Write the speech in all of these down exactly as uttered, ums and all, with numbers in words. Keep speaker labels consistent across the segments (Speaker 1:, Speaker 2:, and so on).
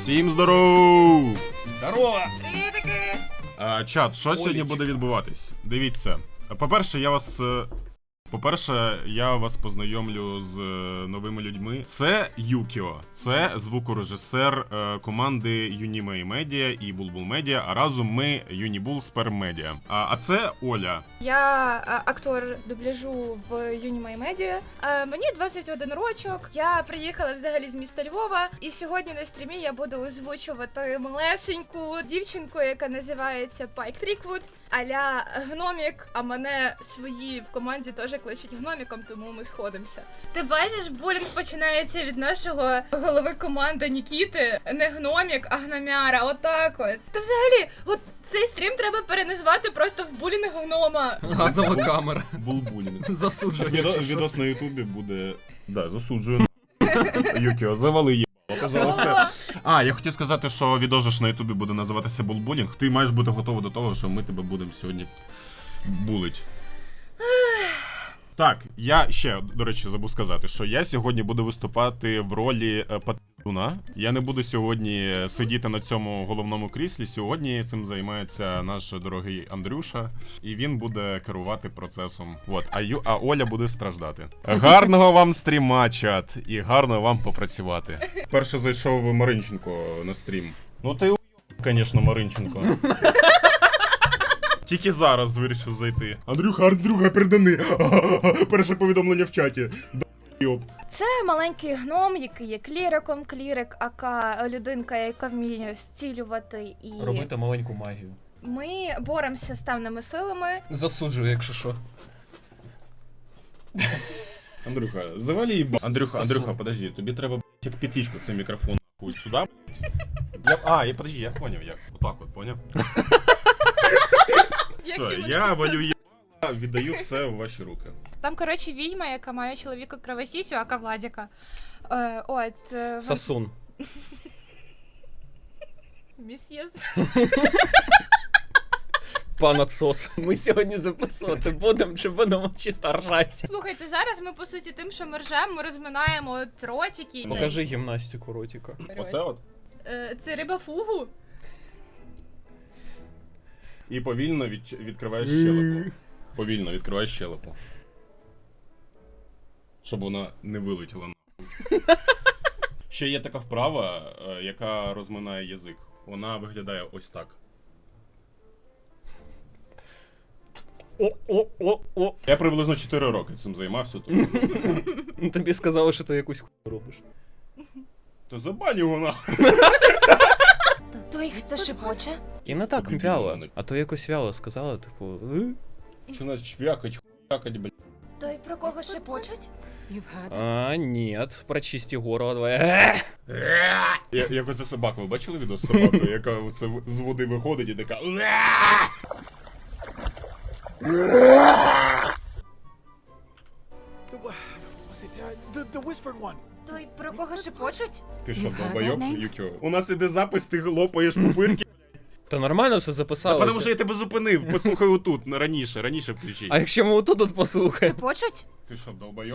Speaker 1: Всім здоров!
Speaker 2: Здорово!
Speaker 3: Привітики!
Speaker 1: А, чат, що сьогодні буде відбуватись? Дивіться. По-перше, я вас. е, По-перше, я вас познайомлю з е, новими людьми. Це Юкіо, це звукорежисер е, команди Unimay Media і Bulbul Media, а разом ми Unibul Sperm Media. А, а це Оля.
Speaker 3: Я а, актор дубляжу в Unimay Media. А, мені двадцять один рочок. Я приїхала взагалі з міста Львова, і сьогодні на стрімі я буду озвучувати малесеньку дівчинку, яка називається Пайк Тріквуд, а-ля гномік, а мене свої в команді теж кличуть гноміком, тому ми сходимося. Ти бачиш, булінг починається від нашого голови команди Нікіти. Не гномік, а гномяра. Отак от. Та взагалі, от цей стрім треба переназвати просто в булінг гнома.
Speaker 2: Газова камера.
Speaker 1: Булбулінг.
Speaker 2: Засуджую.
Speaker 1: Відо-
Speaker 2: якщо що.
Speaker 1: Відос на Ютубі буде. Да, засуджую. Юкіо, завали їбало, пожалуйста. А, я хотів сказати, що відос на Ютубі буде називатися Булбулінг. Ти маєш бути готовий до того, що ми тебе будемо сьогодні булить. Так, я ще, до речі, забув сказати, що я сьогодні буду виступати в ролі е, патуна. Я не буду сьогодні сидіти на цьому головному кріслі. Сьогодні цим займається наш дорогий Андрюша, і він буде керувати процесом. От, а, Ю, а Оля буде страждати. Гарного вам стріма, чат, і гарно вам попрацювати. Перше зайшов Маринченко на стрім. Ну ти у**, звісно, Маринченко. Тільки зараз вирішив зайти. Андрюха, Андрюха, передани. Перше повідомлення в чаті.
Speaker 3: Це маленький гном, який є кліриком. Клірик, ака людинка, яка вміє зцілювати і...
Speaker 2: Робити маленьку магію.
Speaker 3: Ми боремося з темними силами.
Speaker 2: Засуджую, якщо що.
Speaker 1: Андрюха, завали їба. Андрюха,
Speaker 2: Сосу.
Speaker 1: Андрюха, подожди, тобі треба, б**, як петличку цей мікрофон нахуй сюди. б**. Я, а, я, подожди, я поняв, як. Отак от, поняв? Все, я валю я, віддаю все в ваші руки.
Speaker 3: Там, коротше, відьма, яка має чоловіка кровосісю, ака Владіка. Е, от... Е, вон-
Speaker 2: Сасун.
Speaker 3: Місьєс.
Speaker 2: Пан отсос. Ми сьогодні записувати будемо, чи будемо чисто ржати?
Speaker 3: Слухайте, зараз ми, по суті, тим, що ми ржемо, ми розминаємо от ротики.
Speaker 2: Покажи гімнастику ротика.
Speaker 1: Оце от.
Speaker 3: Е, це риба фугу.
Speaker 1: І повільно від, відкриваєш щелепу. Повільно відкриваєш щелепу. Щоб вона не вилетіла нахуй. Ще є така вправа, е, яка розминає язик. Вона виглядає ось так.
Speaker 2: О-о-о-о.
Speaker 1: Я приблизно чотири роки цим займався. Тому...
Speaker 2: Тобі сказали, що ти якусь хуйню робиш.
Speaker 1: Та забань його нахуй.
Speaker 3: Той, хто шепоче?
Speaker 2: І не так
Speaker 1: Тобі
Speaker 2: вяло.
Speaker 1: біло.
Speaker 2: А то якось вяло сказала, типу. «Е?»
Speaker 1: Що нас чвякать, хуякать, блядь.
Speaker 3: Той, про кого шепочуть?
Speaker 2: А, нет, прочисти горло давай.
Speaker 1: Я, як оце собака, ви бачили відео з собакою, яка оце з води виходить і така.
Speaker 4: Was it uh, the the whispered one?
Speaker 3: Той, про кого шепочуть?
Speaker 1: Ти що, долбойоб, Юкіо? У нас іде запис, ти лопаєш пупирки.
Speaker 2: Та нормально все
Speaker 1: Та
Speaker 2: записалося.
Speaker 1: тому що я тебе зупинив, послухай отут, на раніше, раніше включи.
Speaker 2: А якщо ми отут тут послухаємо?
Speaker 3: Шепочуть?
Speaker 1: Ти що, долбойоб?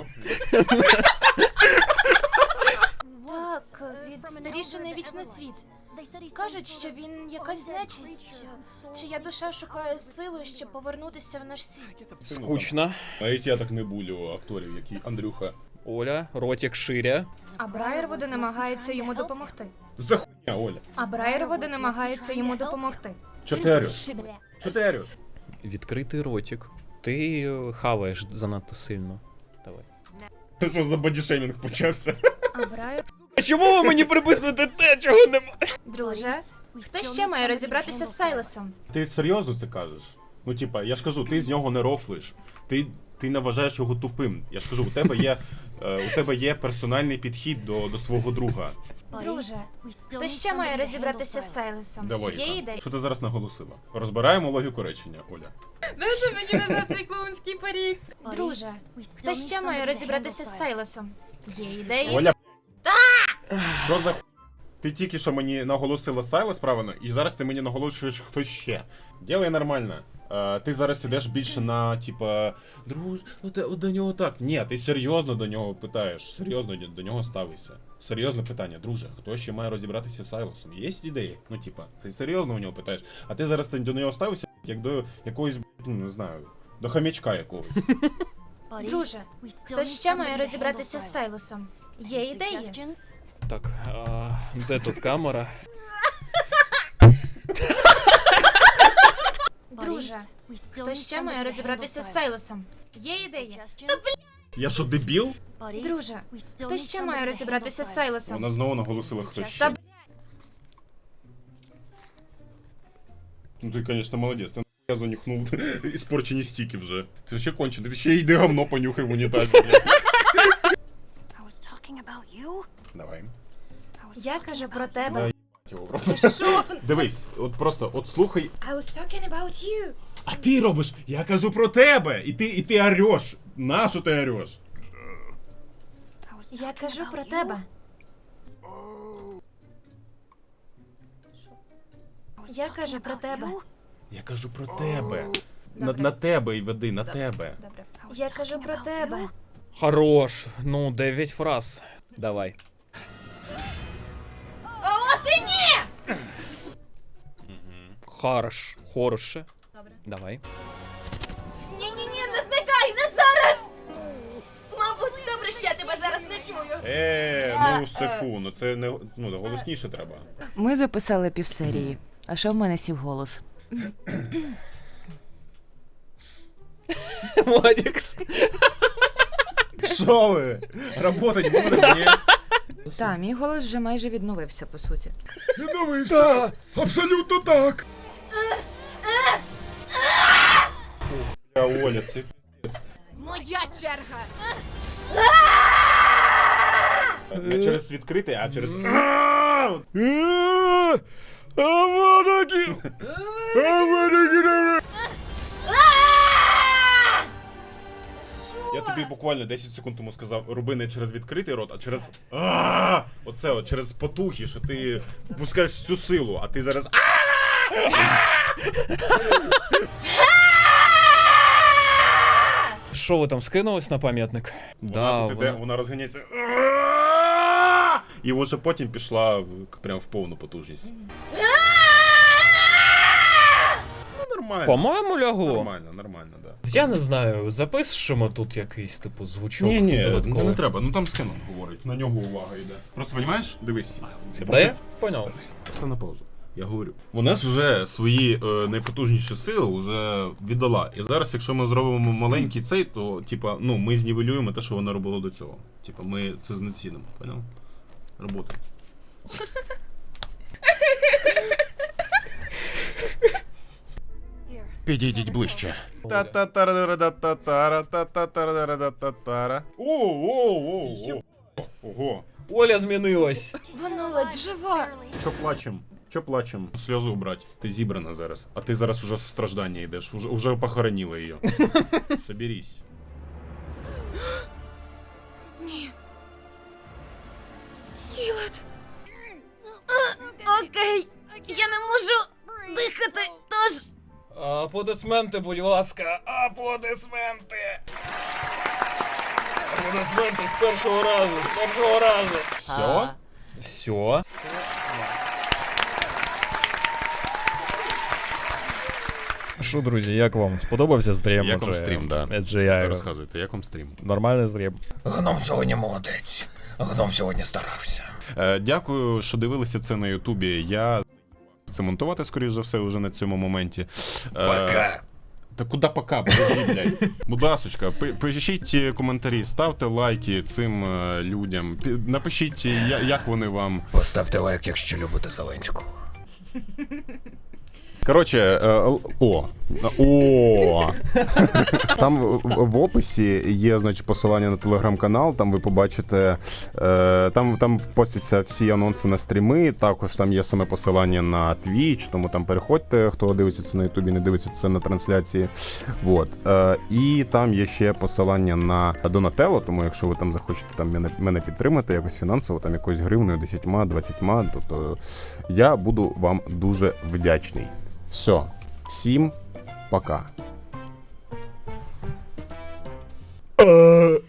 Speaker 5: Так, від старішини вічний світ. Кажуть, що він якась нечисть, чия душа шукає сили, щоб повернутися в наш світ.
Speaker 2: Скучно.
Speaker 1: Навіть я так не булю акторів, які Андрюха.
Speaker 2: Оля, ротик ширя.
Speaker 3: А Брайервуди намагається йому допомогти.
Speaker 1: За хуйня, Оля.
Speaker 3: А Брайервуди намагається йому допомогти.
Speaker 1: Чотирю. Чотирю.
Speaker 2: Відкритий ротик. Ти е, хаваєш занадто сильно. Давай.
Speaker 1: Ти що за бодішеймінг почався?
Speaker 3: А Брайер...
Speaker 2: А чому ви мені приписуєте те, чого немає?
Speaker 3: Друже, хто ще має розібратися з Сайлесом?
Speaker 1: Ти серйозно це кажеш? Ну, типа, я ж кажу, ти з нього не рофлиш. Ти, ти не вважаєш його тупим. Я ж кажу, у тебе є, е, у тебе є персональний підхід до, до свого друга.
Speaker 3: Друже, хто ще має розібратися з Сайлесом?
Speaker 1: Де логіка?
Speaker 3: Є ідея?
Speaker 1: Що ти зараз наголосила? Розбираємо логіку речення, Оля.
Speaker 3: Дайте мені назад цей клоунський парік. Друже, хто ще має розібратися з Сайлесом? Є ідеї?
Speaker 1: Оля, що за ху- Ти тільки що мені наголосила Сайлес правильно, і зараз ти мені наголошуєш хтось ще. Ділай нормально. Е, ти зараз ідеш більше на, типа, друж, от, от до нього так. Ні, ти серйозно до нього питаєш, серйозно до нього ставишся. Серйозне питання, друже, хто ще має розібратися з Сайлосом? Є ідеї? Ну, типа, це серйозно у нього питаєш. А ти зараз до нього ставишся, як до якогось, ну, не знаю, до хам'ячка якогось.
Speaker 5: Друже, хто ще має розібратися з Сайлосом? Є ідеї?
Speaker 2: Так, а, де тут камера?
Speaker 5: Друже, хто ще має розібратися з Сайлосом? Є ідеї?
Speaker 1: Я що, дебіл?
Speaker 5: Друже, хто ще має розібратися з Сайлосом?
Speaker 1: Вона знову наголосила, хто
Speaker 5: Та
Speaker 1: ще.
Speaker 5: б***ь.
Speaker 1: Ну ти, звісно, молодець. Ти я занюхнув іспорчені стіки вже. Це ще кончено. Ти ще йди говно понюхай в унітазі. Давай.
Speaker 5: Я кажу про тебе.
Speaker 1: Да, його просто.
Speaker 5: Що?
Speaker 1: Дивись, от просто, от слухай.
Speaker 5: I was talking about you.
Speaker 1: А ти робиш, я кажу про тебе. І ти, і ти ореш. На що ти ореш?
Speaker 5: Я кажу про тебе. Я кажу про тебе.
Speaker 1: Я кажу про тебе. На, на тебе і веди, на тебе.
Speaker 3: Добре.
Speaker 5: Я кажу про тебе.
Speaker 2: Хорош. Ну, дев'ять фраз. Давай.
Speaker 5: О, ти ні!
Speaker 2: Хорош. Хороше.
Speaker 3: Добре.
Speaker 2: Давай.
Speaker 5: Ні-ні-ні, не зникай, не зараз! Мабуть, добре, що я тебе зараз не чую.
Speaker 1: Е, ну це фу, ну це не ну голосніше треба.
Speaker 6: Ми записали півсерії. А що в мене сів голос?
Speaker 2: Мадікс.
Speaker 1: Що ви? Работать буде? Ні.
Speaker 6: Та, мій голос вже майже відновився, по суті.
Speaker 1: Відновився. Абсолютно так. Я Оля, це
Speaker 5: Моя черга.
Speaker 1: не через відкритий, а через. Я тобі буквально десять секунд тому сказав, роби не через відкритий рот, а через. А! Оце от через потухи, що ти пускаєш всю силу, а ти зараз.
Speaker 2: Що ви там скинулись на пам'ятник?
Speaker 1: Вона,
Speaker 2: Да,
Speaker 1: іде,
Speaker 2: вона...
Speaker 1: вона розганяється. І вже потім пішла в- прям в повну потужність. Ну, нормально.
Speaker 2: По-моєму, лягло.
Speaker 1: Нормально, нормально, да.
Speaker 2: Я не знаю, запишемо тут якийсь, типу, звучок
Speaker 1: Ні, ні,
Speaker 2: додатковий.
Speaker 1: не треба, ну там з Кеном говорить, на нього увага йде. Просто розумієш, дивись.
Speaker 2: Та я поняв.
Speaker 1: Просто на паузу. Я говорю. Вона ж вже свої е, найпотужніші сили вже віддала. І зараз, якщо ми зробимо маленький цей, то типа, ну, ми знівелюємо те, що вона робила до цього. Типа, ми це знецінимо, поняв? Робота. Підійдіть ближче. Та-та-тара-та-та-тара-та-та-тара-та-та-тара. О-о-о-о! Ого.
Speaker 2: Оля змінилась.
Speaker 5: Вона ледь жива.
Speaker 1: Чо плачем? Чо плачем? Сльозу убрать. Ти зібрана зараз. А ти зараз уже в страждання йдеш. Уже, уже похоронила її. Соберись.
Speaker 5: Кілет. Окей. Я не можу дихати, тож...
Speaker 2: Аплодисменти, будь ласка. Аплодисменти. Аплодисменти з першого разу, з першого разу.
Speaker 1: Все?
Speaker 2: Все. Що, друзі, як вам? Сподобався стрім?
Speaker 1: Як вам
Speaker 2: Адже-
Speaker 1: стрім, да.
Speaker 2: Адже я
Speaker 1: Розказуйте, як вам стрім?
Speaker 2: нормальний стрім.
Speaker 7: Гном сьогодні молодець. Гном сьогодні старався.
Speaker 1: Е, дякую, що дивилися це на Ютубі. Я це монтувати, скоріш за все, вже на цьому моменті. Е,
Speaker 7: Пока.
Speaker 1: Та куди пока, подожди, блядь. Будь ласочка, пи- пишіть коментарі, ставте лайки цим е, людям. Пі- Напишіть, я- як вони вам.
Speaker 7: Поставте лайк, якщо любите Зеленського.
Speaker 1: Коротше, е, л- о. О. Там в, в описі є, значить, посилання на телеграм-канал, там ви побачите, е, там, там постяться всі анонси на стріми, також там є саме посилання на Twitch, тому там переходьте, хто дивиться це на Ютубі, не дивиться це на трансляції. Вот. Е, і там є ще посилання на Donatello, тому якщо ви там захочете там мене, мене підтримати якось фінансово, там якоюсь гривнею, десятьма, двадцятьма, то, то я буду вам дуже вдячний. Все. Всім пока.